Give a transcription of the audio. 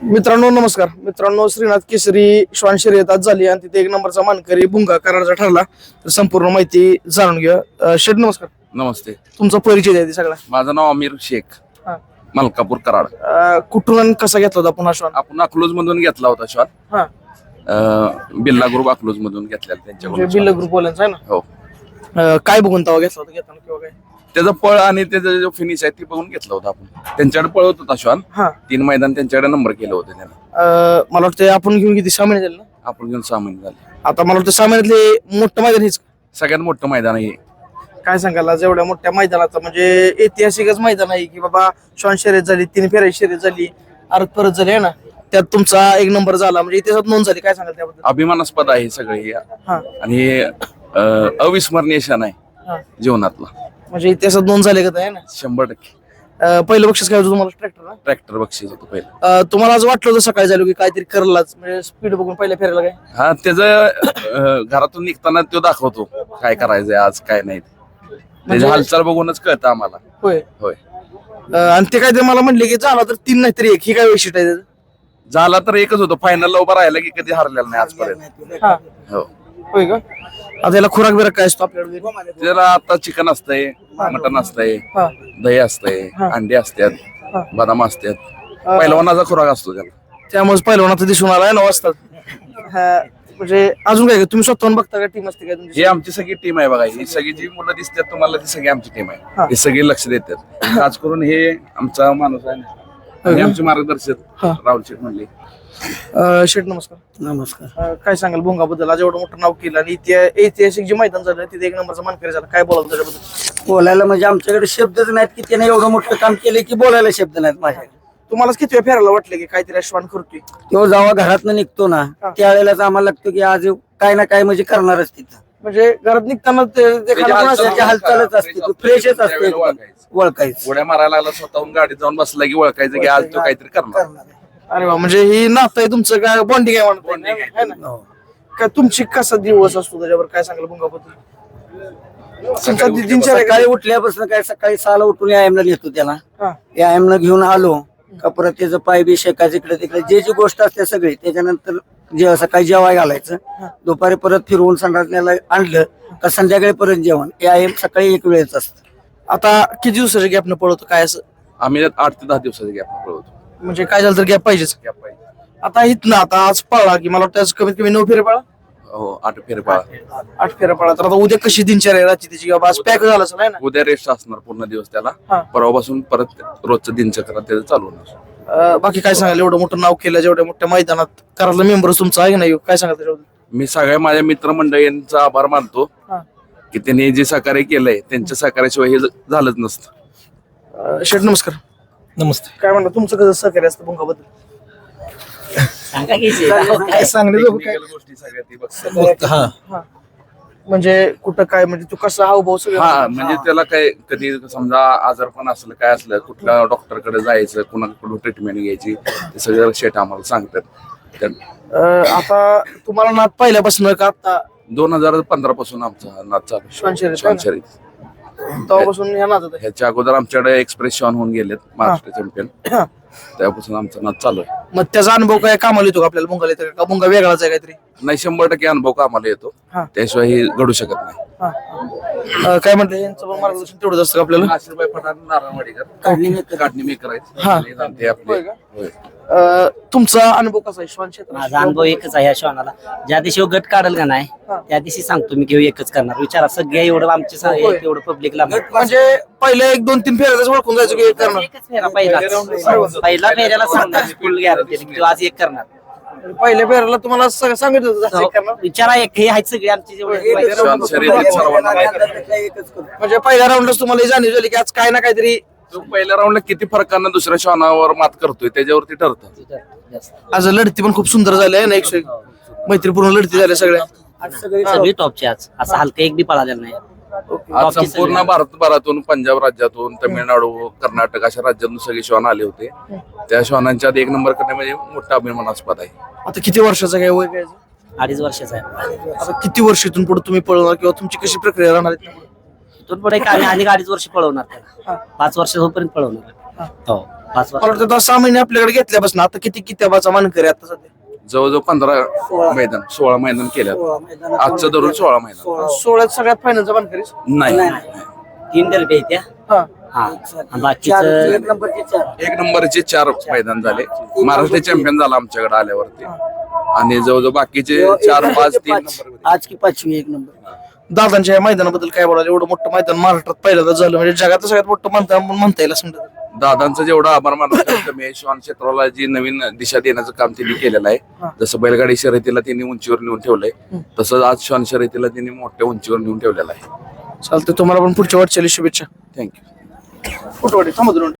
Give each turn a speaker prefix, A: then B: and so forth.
A: मित्रांनो नमस्कार मित्रांनो, श्रीनाथ केसरी श्वान शर्यत आज झाली आणि तिथे एक नंबरचा मानकरी भुंगा करारचा ठरला. तर संपूर्ण माहिती जाणून घ्या. शेठ नमस्कार.
B: नमस्ते.
A: तुमचा परिचय द्या सगळा.
B: माझं नाव अमीर शेख,
A: हा.
B: मलकापूर कराड.
A: कुठून आणि कसा घेतला होता पुन्हा श्वान?
B: आपण अकलूज मधून घेतला होता श्वान.
A: हा.
B: बिल्ला ग्रुप अकलूज मधून घेतलेला त्यांच्याकडून.
A: बिल्ला ग्रुप वाल्यांचा आहे ना?
B: हो.
A: काय बघून तवा घेतला होता घेताना किंवा काय?
B: त्याचं पळ आणि त्याचं जो फिनिश आहे ती बघून घेतलं होतं आपण. त्यांच्याकडे पळत होता श्वान.
A: हा.
B: 3 मैदान त्यांच्याकडे नंबर केलं होतं त्याने.
A: मला वाटतं आपण घेऊन किती 6 महिने झाले ना?
B: आपण घेऊन 6 महिने झाले.
A: आता मला वाटतं 6 महिन्यातले मोठं मैदान हेच.
B: सगळ्यात मोठं मैदान आहे.
A: काय सांगाल आज एवढ्या मोठ्या मैदानाचा? म्हणजे ऐतिहासिकच मैदान आहे की बाबा. श्वान शर्यत झाली, 3 फेऱ्याची शर्यत झाली, अर्ध परत झाली आहे ना, त्यात तुमचा एक नंबर झाला, म्हणजे इतिहासात नोंद झाली. काय सांगाल त्याबद्दल?
B: अभिमानास्पद आहे सगळे हे.
A: हा.
B: आणि हे अविस्मरणीय क्षण आहे
A: हा.
B: जीवनातला.
A: म्हणजे इतिहासात नोंद झाले का आहे ना?
B: 100%.
A: पहिलं बक्षीस काय होतं तुम्हाला? ट्रॅक्टर ना?
B: ट्रॅक्टर बक्षीस होतं पहिलं.
A: तुम्हाला आज वाटलं होतं सकाळी झालं की काहीतरी करलाच, म्हणजे स्पीड बघून पहिल्या फेऱ्याला काय?
B: हा, त्याचं घरातून निघताना तो दाखवतो काय करायचंय आज काय नाही. त्याची हालचाल बघूनच कळतं आम्हाला.
A: होय.
B: होय.
A: आणि ते काय ते मला म्हणले की झाला तर 3 नाही तरी 1, ही काय वैशिष्ट्य आहे त्याचं?
B: झाला तर एकच होतो, फायनलला उभा राहिला की कधी हरलेला नाही आजपर्यंत.
A: हा.
B: हो.
A: होय का? आता याला खुराक बिराक काय असतो आपल्याकडे?
B: त्याला आता चिकन असतंय, मटन असतंय,
A: हा.
B: दही असतंय, अंडे असतात,
A: हा.
B: बदाम असतात. पहिलवानाचा खुराक असतो त्याला.
A: त्यामुळे पहिलवानाचं दिसून आलाय 9 वाजता. म्हणजे अजून काय तुम्ही स्वतःहून बघता का? टीम असते काय तुमची?
B: ही आमची सगळी टीम आहे बघा. ही सगळी जी मुलं दिसतात तुम्हाला ती सगळी आमची टीम
A: हा.
B: आहे. हे सगळे लक्ष देतात. खास करून हे आमचा माणूस आहे ना, आणि आमचे मार्गदर्शक
A: हा.
B: राहुल शेठ म्हणले.
A: शेठ नमस्कार.
C: नमस्कार.
A: काय सांगाल भुंगाबद्दल? आज एवढं मोठं नाव केलं आणि ऐतिहासिक जे मैदान झालं तिथे एक नंबरचा मानकरी झाला. काय बोलाल त्याच्याबद्दल?
C: बोलायला म्हणजे आमच्याकडे शब्दच नाहीत की त्याने एवढं मोठं काम केलं की बोलायला शब्द नाहीत माझ्याकडे.
A: तुम्हाला किती वेळ फेरायला वाटलं की काहीतरी अश्वान करतोय?
C: तो जेव्हा घरातनं निघतो ना त्यावेळेलाच आम्हाला लागतो की आज काय ना काय म्हणजे करणारच तिथं.
A: म्हणजे घरात निघताना
C: त्याची हालचालच असते, तो फ्रेशच असते एकदम. ओळखायचं
B: उड्या मारायला लागला स्वतःहून गाडीत जाऊन बसला की ओळखायचं की आज तो काहीतरी करणार.
A: अरे वा, म्हणजे ही नातं आहे तुमचं, काय बॉन्डिंग आहे म्हणत
B: Bonding आहे.
A: आहे ना? काय तुमची कसा दिवस असतो त्याच्यावर? काय सांगाल भुंगाबद्दल? तुमचा दिनचर्या
C: सकाळी उठल्यापासून काय सकाळी 6ला उठून व्यायामला नेतो त्याला.
A: हा.
C: व्यायामला घेऊन आलो का परत त्याचं पाय बी शेकायचं इकडे तिकडे जे जी गोष्ट असते सगळी. त्याच्यानंतर सकाळी जेवाय घालायचं, दुपारी परत फिरवून संडासण्याला आणलं का संध्याकाळी परत जेवण. व्यायाम सकाळी एक वेळेच असतं.
A: आता किती दिवसाच्या गॅपनं पळवतो काय असं?
B: आम्ही 8 ते 10 दिवसाचा गॅप पळवतो.
A: म्हणजे काय झालं तर गॅप पाहिजेच.
B: गॅप पाहिजे.
A: आता इथनं आता आज पळला की मला वाटतं आज कमीत कमी 9 फेरे पळा.
B: हो, 8 फेरे पळा.
A: 8 फेरे पळा. तर आता उद्या कशी दिनचर्या आहे रात्री त्याची? बाबा आज पॅक झालं असं नाही ना?
B: उद्या रेस्ट असणार पूर्ण दिवस त्याला.
A: हा.
B: परवापासून परत रोजचं दिनचक्र त्याचं चालू होणार.
A: बाकी काय सांगाल? एवढं मोठं नाव केलं, जेवढ्या मोठ्या मैदानात करायला मेंबर तुमचा आहे की नाही? काय सांगाल त्याच्याबद्दल?
B: मी सगळ्या माझ्या मित्रमंडळींचा आभार मानतो की त्यांनी जे सहकार्य केलंय त्यांच्या सहकार्याशिवाय हे झालंच नसतं.
A: शेठ नमस्कार.
D: नमस्ते.
A: काय म्हणलं तुमचं कसं सहकार्य असतं भुंगाबद्दल? काय सांगणे
B: Technical गोष्टी सगळ्या ती बघतात.
D: हा,
A: म्हणजे कुठं काय, म्हणजे तू कसा हावभाव
B: हा,
A: सगळं?
B: म्हणजे त्याला काय कधी समजा आजारपण असलं काय असलं कुठल्या डॉक्टरकडे जायचं, कुणाकडून ट्रीटमेंट घ्यायची, ते सगळं शेट आम्हाला सांगतात.
A: आता तुम्हाला नाद पहिल्यापासून का आता
B: 2015 पासून आमचा नाद चालू आहे.
A: श्वान शर्यत?
B: श्वान शर्यत.
A: तेव्हापासून ह्या नादात आहे?
B: ह्याच्या अगोदर आमच्याकडे एक्सप्रेस शॉन होऊन गेलेत महाराष्ट्र चॅम्पियन. त्यापासून आमचा नाद चालू आहे.
A: मग त्याचा अनुभव काय कामाला येतो का आपल्याला? भुंगाला येतो का? भुंगा वेगळाच आहे काहीतरी?
B: नाही, 100% अनुभव कामाला येतो.
A: हा.
B: त्याशिवाय हे घडू शकत नाही.
A: काय म्हणते यांचं पण मार्गदर्शन तेवढंच असतं का आपल्याला?
B: आशीर्वाद पठाण, नारायणवाडीकर, काढणी मेकर
A: हा.
B: आहेत ते आपले.
A: होय का?
B: होय.
A: तुमचा अनुभव कसा आहे श्वान क्षेत्रात?
E: माझा अनुभव एकच आहे या श्वानाला. ज्या दिवशी गट काढल का नाही त्या दिवशी सांगतो मी की एकच करणार. विचारा सगळे एवढं आमचे
A: होय.
E: एवढं पब्लिकला
A: म्हणजे पहिले 1-2-3 फेऱ्याच ओळखून जायचं की एक करणार?
E: एकच फेरा पहिला फेऱ्याला सांगणार फुल गॅरंटी की तू आज एक करणार.
A: पहिल्या फेऱ्याला तुम्हाला सांगितलं होतं जास्त एक करणार?
E: विचारा एक हे आहेत सगळे आमचे जेवढे
B: श्वान शर्यतीत सर्वांना माहिती आहे.
C: एकच करतो.
A: म्हणजे पहिल्या राऊंडलाच तुम्हाला ही जाणीव झाली की आज काय ना काहीतरी?
B: तो पहिल्या राऊंडला किती फरकांना दुसऱ्या श्वानावर मात करतोय त्याच्यावरती ठरतं.
A: आज लढती पण खूप सुंदर झाली आहे ना, 101 मैत्रीपूर्ण लढती झाल्या सगळ्या.
C: आज सगळे
E: सगळी टॉपचे आज असं हलका एक बी पळालेला नाही.
B: आज संपूर्ण भारतभरातून, पंजाब राज्यातून, तमिळनाडू, कर्नाटक अशा राज्यातून सगळे श्वान आले होते. त्या श्वानांच्या आधी 1 नंबर करणे म्हणजे मोठा अभिमानास्पद आहे.
A: आता किती वर्षाचा काय वय काय?
E: 2.5 वर्षाचा आहे.
A: आता किती वर्ष इथून पुढे तुम्ही पळवणार किंवा तुमची कशी प्रक्रिया राहणार आहे?
E: इथून पुढे आणि 2.5 वर्ष पळवणार त्याला. 5 वर्ष होईपर्यंत पळवणार. हो. 5
A: मला वाटतं 6 महिने आपल्याकडे घेतल्यापासून आता किती किताबाचा मानकरी आता सध्या
B: जवळजवळ 15 मैदान 16 मैदान केल्यात.
C: 16 मैदानात
B: आजचं धरून 16 मैदान
A: 16 सगळ्यात फायनलचा मानकरी
B: नाही.
E: 3 डरबे आहेत त्या.
A: हा
E: हा आणि
C: चार,
E: बाकीचं
C: एक नंबरचे 4
B: एक नंबरचे 4 मैदान झाले. महाराष्ट्र चॅम्पियन झाला आमच्याकडे आल्यावरती आणि जवळजवळ बाकीचे 4 5 3 नंबर.
C: आज की 5वी एक नंबर.
A: दादांच्या या मैदानाबद्दल काय बोलायला? एवढं मोठं मैदान महाराष्ट्रात पहिल्यांदा झालं म्हणजे जगातलं सगळ्यात मोठं मैदान म्हणता येईल असं म्हणतात.
B: दादांचं जेवढं आभार मानलं तेवढं कमी आहे. श्वान क्षेत्राला जी नवीन दिशा देण्याचं काम त्यांनी केलेलं आहे. जसं बैलगाडी शर्यतीला त्यांनी उंचीवर नेऊन ठेवलंय तसंच आज श्वान शर्यतीला त्यांनी मोठ्या उंचीवर नेऊन ठेवलेलं आहे.
A: चालतं, तुम्हाला पण पुढच्या वाटचाली शुभेच्छा.
B: थँक्यू.
A: कुठं थांबा दोन